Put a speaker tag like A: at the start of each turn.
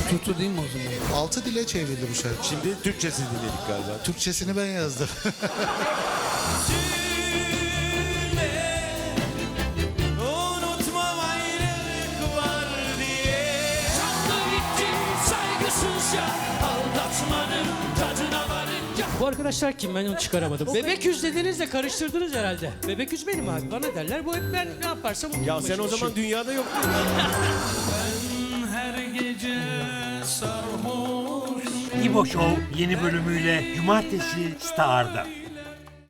A: Tutu değil mi o zaman?
B: 6 dile çevrildi bu şarkı.
C: Şimdi Türkçesini dinledik galiba.
B: Türkçesini ben yazdım.
D: Unutmam ayrılık var diye. Çaldı gittim saygısızca, aldatmanın tadına varınca.
E: Bu arkadaşlar kim, ben onu çıkaramadım. Bebek yüz dediniz de karıştırdınız herhalde. Bebek yüz benim abi, bana derler. Bu hep ben ne yaparsam onu
C: Ya
E: yapmaya
C: sen o zaman
E: çalışıyorum.
C: dünyada yoktun.
D: Ben her gece sarhoş.
F: İbo Show yeni bölümüyle Cumartesi Star'da.